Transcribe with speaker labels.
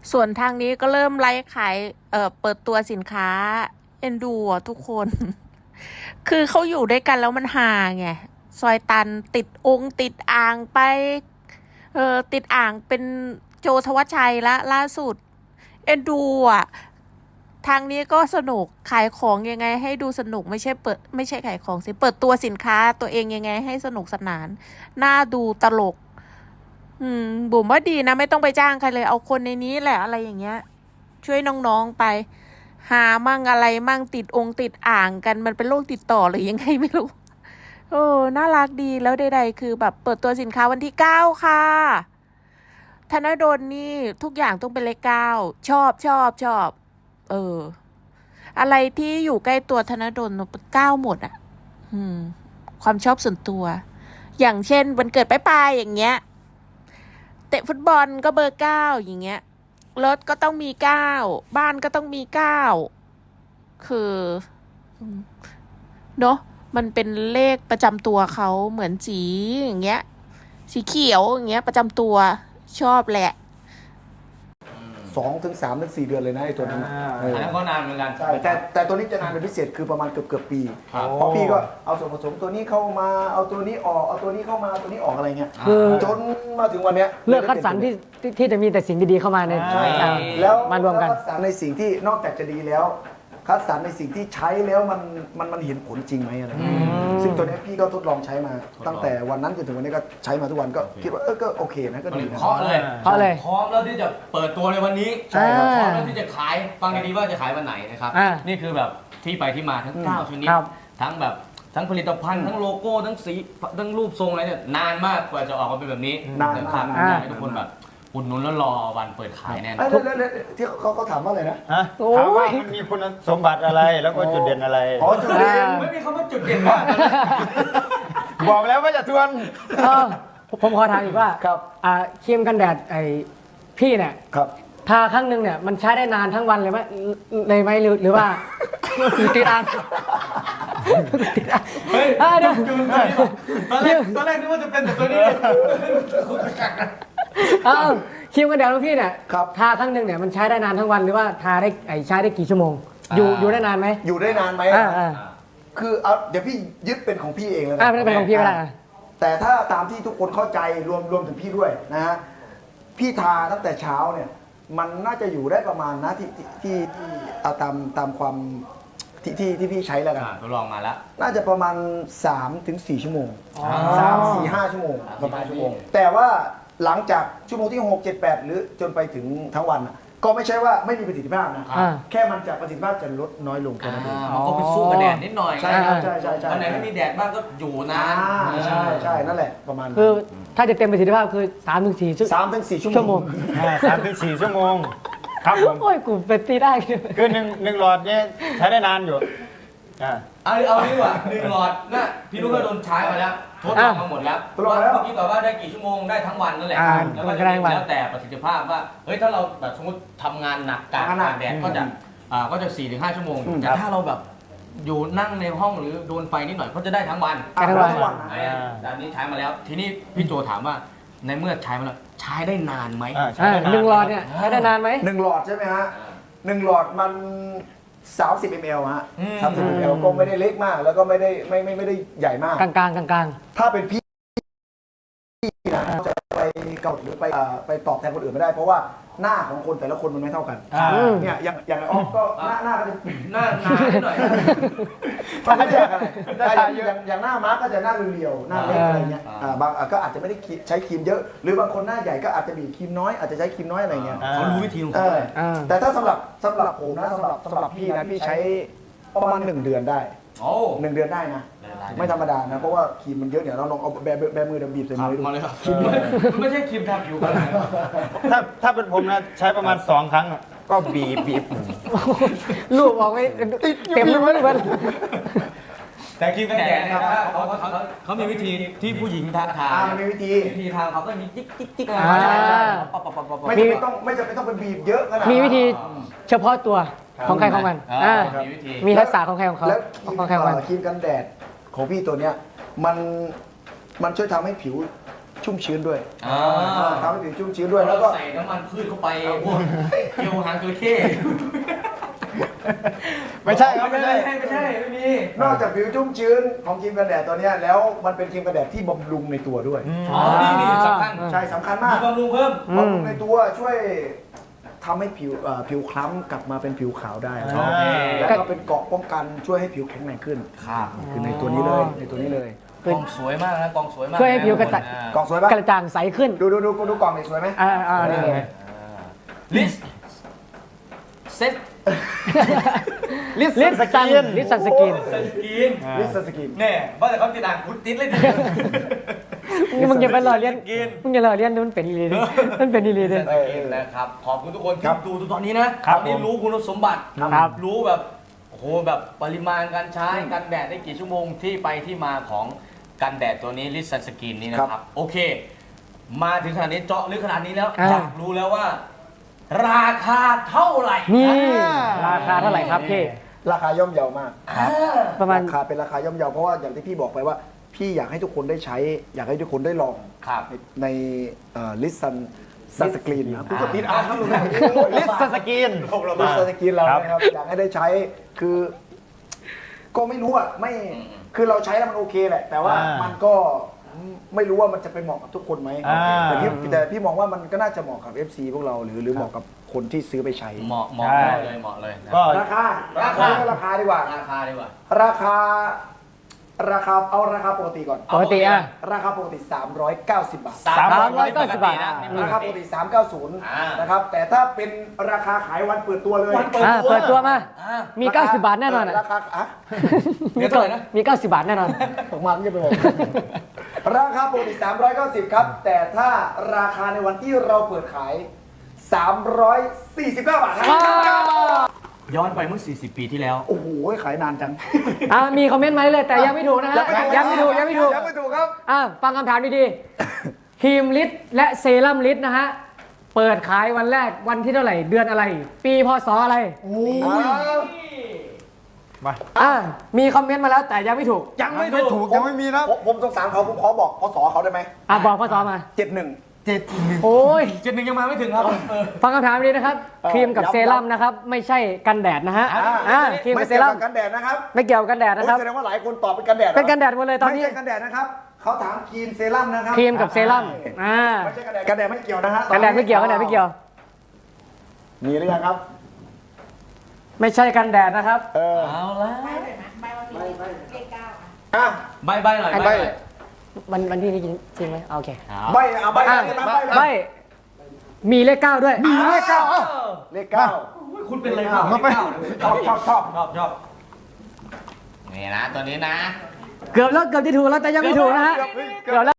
Speaker 1: ส่วนทางนี้ก็เริ่มไลฟ์ขายเปิดตัวสินค้าเอ็นดูอ่ะทุกคน คือเขาอยู่ด้วยกันแล้วมันห่างไงซอยตันติดองค์ติดอ่างไปติดอ่างเป็นโจทวัชชัยละล่าสุดเอ็นดูอ่ะทางนี้ก็สนุกขายของยังไงให้ดูสนุกไม่ใช่ขายของสิเปิดตัวสินค้าตัวเองยังไงให้สนุกสนานน่าดูตลกบุ๋มว่าดีนะไม่ต้องไปจ้างใครเลยเอาคนในนี้แหละอะไรอย่างเงี้ยช่วยน้องๆไปหามั่งอะไรมั่งติดติดอ่างกันมันเป็นโรคติดต่อหรือยังไงไม่รู้น่ารักดีแล้วใดๆคือแบบเปิดตัวสินค้าวันที่9ค่ะธนดลนี่ทุกอย่างต้องเป็นเลข9ชอบอะไรที่อยู่ใกล้ตัวธนดลเป็น9หมดอ่ะความชอบส่วนตัวอย่างเช่นวันเกิดป้ายอย่างเงี้ยเตะฟุตบอลก็เบอร์9อย่างเงี้ยรถก็ต้องมี9บ้านก็ต้องมี9คือเนาะมันเป็นเลขประจำตัวเขาเหมือนสีอย่างเงี้ยสีเขียวอย่างเงี้ยประจำตัวชอบแหละ
Speaker 2: 2 ถึง 3 ถึง 4 เดือนเลยนะไอ้ตัวนั้น
Speaker 3: อันนั้นก็นานเหมือนกัน
Speaker 2: ใช่แต่ตัวนี้จะนานเป็นพิเศษคือประมาณเกือบปี เพราะพี่ก็เอาส่วนผสมตัวนี้เข้ามาเอาตัวนี้ออกเอาตัวนี้เข้ามาตัวนี้ออกอะไรเงี้ยจนมาถึงวันเนี้ย
Speaker 4: เลือกคัดสรรที่จะมีแต่สิ่งดีๆเข้ามาใน
Speaker 2: แล้ว
Speaker 4: มารวมกัน
Speaker 2: คัดสรรในสิ่งที่นอกจากจะดีแล้วคัดสรรในสิ่งที่ใช้แล้วมันเห็นผลจริงไหมอะไรซึ่งตัวนี้พี่ก็ทดลองใช้มาตั้งแต่วันนั้นจนถึงวันนี้ก็ใช้มาทุกวันก็คิดว่าก็โอเคนะก็ดีนะ
Speaker 3: เคาะเลยพร้อมแล้วที่จะเปิดตัวในวันนี้
Speaker 2: ใช่ครับ
Speaker 3: พร้อมแล้วที่จะขายฟังดีๆว่าจะขายวันไหนนะครับนี่คือแบบที่ไปที่มาทั้ง9ชนิดทั้งแบบทั้งผลิตภัณฑ์ทั้งโลโก้ทั้งสีทั้งรูปทรงอะไรเนี่ยนานมากกว่าจะออกมาเป็นแบบนี้
Speaker 2: นานมาก
Speaker 3: อยากให้ทุกคนแบบอุดหนุนแล้วรอวันเปิดขายแน่นอน
Speaker 2: ที่เขาถามว่าอะไรนะ
Speaker 5: ถามว่ามันมีคุณสมบัติอะไรแล้วก็จุดเด่นอะไร
Speaker 2: อ๋อจุดเด่น
Speaker 3: ไม่มีคำว่าจุดเด่นว่า
Speaker 5: บอกแล้วว่าจะทวน
Speaker 4: ผมขอถามอีกว่า
Speaker 2: ครับ
Speaker 4: ครีมกันแดดไอพี่เนี่ย
Speaker 2: ครับ
Speaker 4: ทาครั้งหนึ่งเนี่ยมันใช้ได้นานทั้งวันเลยไหมหรือว่าติดอ่าง
Speaker 3: เฮ้ยจุนตอนแรกนึกว่าจะเป็นแต่ตัวนี้
Speaker 4: ครีมกันแดดของพี่เนี่ยทาครั้งหนึ่งเนี่ยมันใช้ได้นานทั้งวันหรือว่าทาได้ใช้ได้กี่ชั่วโมงอยู่ได้นานไหม
Speaker 2: อยู่ได้นานไหมคือเดี๋ยวพี่ยึดเป็นของพี่เองแล้ว
Speaker 4: ไม่ได้เป็นของพี่ก็ได้
Speaker 2: แต่ถ้าตามที่ทุกคนเข้าใจรวมถึงพี่ด้วยนะฮะพี่ทาตั้งแต่เช้าเนี่ยมันน่าจะอยู่ได้ประมาณนะที่ตามความที่พี่ใช้แล้วกัน
Speaker 3: ทดลองมาแล้ว
Speaker 2: น่าจะประมาณ 3-4 ชั่วโมง3-4-5 ชั่วโมงประมาณชั่วโมงแต่ว่าหลังจากชั่วโมงที่6 7 8หรือจนไปถึงทั้งวันก็ไม่ใช่ว่าไม่มีประสิทธิภาพนะแค่มันจะประสิทธิภาพจะลดน้อยลงแค่นั้นเอง
Speaker 3: มันก็ไปสู้กับแดดนิดหน่อย
Speaker 2: ใช่ครับใช่
Speaker 3: วันไหนไม่มีแดดบ้างก็อยู่นาน
Speaker 2: ใช่นั่นแหละประมาณ
Speaker 4: คือถ้าจะเต็มประสิทธิภาพคือ3-4
Speaker 2: ชั่วโมง
Speaker 5: 3-4 ชั่วโมงครับผม
Speaker 4: โอ้ยกูเป็นตีได้
Speaker 5: คือหนึ่งหลอดเนี่ยใช้ได้นานอยู่
Speaker 3: เอาดีกว่า1 หลอดนะพี่ลูกก็โดนใช้มาแล้วทดลองมาหมดแล้วเมื่อกี้บอกว่าได้กี่ชั่วโมงได้ทั้งวันนั่นแหละแล้วก็แล้วแต่ประสิทธิภาพว่าเฮ้ยถ้าเราแบบสมมติทำงานหนักกลางแดดก็จะ 4-5 ชั่วโมงแต่ถ้าเราแบบอยู่นั่งในห้องหรือโดนไฟนิดหน่อยก็จะได้ทั้งวันแต่นี้ใช้มาแล้วทีนี้พี่โจถามว่าในเมื่อใช้มาแล้วใช้ได้นานไหม
Speaker 4: 1 หลอดเนี่ยใช้ได้นานไหม
Speaker 2: 1 หลอดใช่ไหมฮะ1 หลอดมัน30 ml ฮะ30 ml ก็ไม่ได้เล็กมากแล้วก็ไม่ได้ใหญ่มาก
Speaker 4: กลาง
Speaker 2: ถ้าเป็นพี่นะจะไปเกาหลีหรือไปตอบแทนคนอื่นไม่ได้เพราะว่าหน้าของคนแต่ละคนมันไม่เท่ากันเนี่ยอย่างออฟก็หน้าก็จะ
Speaker 3: หน้าหน่อย
Speaker 2: มันไม่ใช่อะไรอย่างหน้ามาร์กก็จะหน้าเรียวหน้าเล็กอะไรเงี้ยบางก็อาจจะไม่ได้ใช้ครีมเยอะหรือบางคนหน้าใหญ่ก็อาจจะมีครีมน้อยอาจจะใช้ครีมน้อยอะไรเงี้ย
Speaker 3: เขารู้วิธีของเขา
Speaker 2: แต่ถ้าสำหรับผมนะสำหรับพี่นะพี่ใช้ประมาณ1 เดือนได้1 เดือนได้นะไม่ธรรมดานะเพราะว่าครีมมันเยอะเนี่ยเราลองเอาแบมือบีบใส่มือดู
Speaker 3: มาเลยครับไม่ใช่ครีมทาผิว
Speaker 5: ถ้าเป็นผมนะใช้ประมาณ2 ครั้งก็บีบ
Speaker 4: ลูกบอกไม่เต็มเลยมั้ย
Speaker 3: แต่ครีมกันแดดนะครับเขามีวิธีที่ผู้หญิงทา
Speaker 2: มีวิธี
Speaker 3: ทาเขาก็มีจิ๊ก
Speaker 2: ไม่จำเป็นต้องเป็นบีบเยอะขนาด
Speaker 4: มีวิธีเฉพาะตัวของใครของมันมีทักษะของใครของเขา
Speaker 2: แล้วครีมกันแดดของพี่ตัวเนี้ยมันช่วยทำให้ผิวชุ่มชื้นด้วย
Speaker 3: อ่า
Speaker 2: ทำให้ผิวชุ่มชื้นด้วย
Speaker 3: แล้
Speaker 2: แล้ว ว
Speaker 3: ก็
Speaker 2: ก็
Speaker 3: ใส่น้ำมันพืชเข้าไปพวกเกี๊ยวหางจระเข้
Speaker 5: ไม่ใช่ครับไม่ใช่
Speaker 3: ไม่มี
Speaker 2: นอกจากผิวชุ่มชื้นของครีมกันแดดตัวเนี้ยแล้วมันเป็นครีมกันแดดที่บำรุงในตัวด้วย
Speaker 3: อ๋อนี่สำคัญ
Speaker 2: ใช่สำคัญมา
Speaker 3: มี
Speaker 2: ก
Speaker 3: บำรุงเพิ่ม
Speaker 2: บำรุงในตัวช่วยทำให้ผิวคล้ำกลับมาเป็นผิวขาวได้
Speaker 3: โอเค
Speaker 2: แล้วก็เป็นเกราะป้องกันช่วยให้ผิวแข็งแรงขึ้น
Speaker 3: ครับ
Speaker 2: คือในตัวนี้เลยในตัวนี้เลย
Speaker 3: กล่องสวยมากนะกล่องสวยมาก
Speaker 4: ช่วยให้ผิวกระจ่าง
Speaker 2: กล่องสวยปะ
Speaker 4: กระจ่างใสขึ้น
Speaker 2: ดูกล่องหน่อยสวยไหม
Speaker 4: นี่เลย
Speaker 3: ลิสเซ็ต
Speaker 4: ลิสซันสกิน
Speaker 3: สกิน
Speaker 2: ลิสสกิน
Speaker 3: แน่ว่าแต่เขาติดอ่างคุณติดเลยทีเดียว
Speaker 4: มึงอย่าไปหล่อเลี้ยน
Speaker 3: กิน
Speaker 4: มึงอย่าหล่อเลี้ยนมันเป็นอีหลีดิมันเป็นอีหลีดิ
Speaker 3: กินนะครับขอบคุณทุกคนที่ดูตอนนี้นะตอนนี้รู้คุณสมบัติ
Speaker 4: ครับ
Speaker 3: รู้แบบโอ้โหแบบปริมาณการใช้กันแดดได้กี่ชั่วโมงที่ไปที่มาของกันแดดตัวนี้ลิสซันสกินนี่นะครับโอเค มาถึงขนาดนี้เจาะลึกขนาดนี้แล้วอยากรู้แล้วว่า ราคาเท่าไหร่
Speaker 4: นี่ราคาเท่าไหร่ครับพี่
Speaker 2: ราคาย่อมเยาวมาก
Speaker 4: ประมาณ
Speaker 2: ราคาเป็นราคาย่อมเยาเพราะว่าอย่างที่พี่บอกไปว่าพี่อยากให้ทุกคนได้ใช้ อยากให้ทุกคนได้ลอง
Speaker 3: ครับ
Speaker 2: ในลิสซันสกรีนนะคุณก็ติดอ่านครับ
Speaker 5: ลิสสกิน
Speaker 2: ลิสซันสกรีนเรา
Speaker 5: ครับ
Speaker 2: นะครับอยากให้ได้ใช้คือ ก็ไม่รู้อ่ะไม่คือเราใช้แล้วมันโอเคแหละ แต่ว่ามันก็ไม่รู้ว่ามันจะไปเหมาะกับทุกคนไหมแต่พี่มองว่ามันก็น่าจะเหมาะกับ FC พวกเราหรือเหมาะกับคนที่ซื้อไปใช้
Speaker 3: เหมาะเลยนะ
Speaker 5: ก็
Speaker 2: ราคาราคาดีกว่า
Speaker 3: ราคาดีกว่า
Speaker 2: ราคาเอาราคาปกติก่อน
Speaker 4: ปกติอ่ะ
Speaker 2: ราคาปกติ 390 บาท
Speaker 4: 390 บาท
Speaker 2: ราคาปกติ 390 นะครับ แต่ถ้าเป็นราคาขายวันเปิดตัวเลย
Speaker 4: เปิดตัวมา
Speaker 3: อ่า
Speaker 4: มี 90 บาทแน่นอนอ่ะ
Speaker 2: ราคาอ่ะ
Speaker 3: เดี๋ยวเท่าไหร่นะ
Speaker 4: มี 90 บาทแน่นอน
Speaker 2: ผมมาไม่จะไปบอก ราคาปกติ 390 ครับ แต่ถ้าราคาในวันที่เราเปิดขาย 349 บาทครับ
Speaker 3: ย้อนไปเมื่อ 40 ปีที่แล้ว
Speaker 2: โอ้โห ขายนานจัง
Speaker 4: มีคอมเมนต์มาเลยแต่ยังไม่ถูกนะฮะยังไม่ถูก
Speaker 2: ยังไม่ถูกครับ
Speaker 4: ฟังคำถามดีๆครีมลิตและเซรั่มลิตนะฮะ เปิดขายวันแรกวันที่เท่าไหร่ เดือนอะไร ปีพศอะไร
Speaker 5: มา
Speaker 4: มีคอมเมนต์มาแล้วแต่ยังไม่ถูก
Speaker 5: ยังไม่ถูกยังไม่มีนะ
Speaker 2: ผมสงสารเขาผมขอบอกพศเขาได้ไหม
Speaker 4: บอกพศมา
Speaker 2: 71
Speaker 4: โอ้ย
Speaker 3: 71ยังมาไม่ถึงครับ
Speaker 4: ฟังคำถามดีนะครับ ครีมกับเซรั่มนะครับ ไม่ใช่กันแดดนะฮะครีม
Speaker 2: ไม่
Speaker 4: กับเซ
Speaker 2: เกี่ยว
Speaker 4: รั่ม
Speaker 2: กับกันแดดนะครับ
Speaker 4: ไม่เกี่ยวกับกันแดดนะครับ
Speaker 2: แสดงว่าหลายคนตอบเป็นกันแดดหรอ
Speaker 4: เป็นกันแดดหมดเลยตอนนี้
Speaker 2: ไม่ใช่กันแดดนะครับ เขาถามครีมเซรั่มนะครับ
Speaker 4: ครีมกับเซรั่ม
Speaker 2: ไม่ใช่กันแดด กันแดดไม่เกี่ยวนะฮะ
Speaker 4: กันแดดไม่เกี่ยวกันแดดไม่เกี่ยว
Speaker 2: มีหรือยังครับ
Speaker 4: ไม่ใช่กันแดดนะครับ
Speaker 3: เอาละ
Speaker 2: อ่ะ
Speaker 3: ใบหน่อย
Speaker 4: ใบ้ วันที่นี้จริงไหมโอเค
Speaker 2: ใบเอาใบ
Speaker 4: ใบมีเลข 9 ด้วย
Speaker 2: มีเลขเก้าเลขเก้า
Speaker 3: คุณเป็นอะไรครับ ชอบนี่นะตัวนี้นะ
Speaker 4: เกือบแล้วเกือบจะถูกแล้วแต่ยังไม่ถูกนะฮะเกือบแล้ว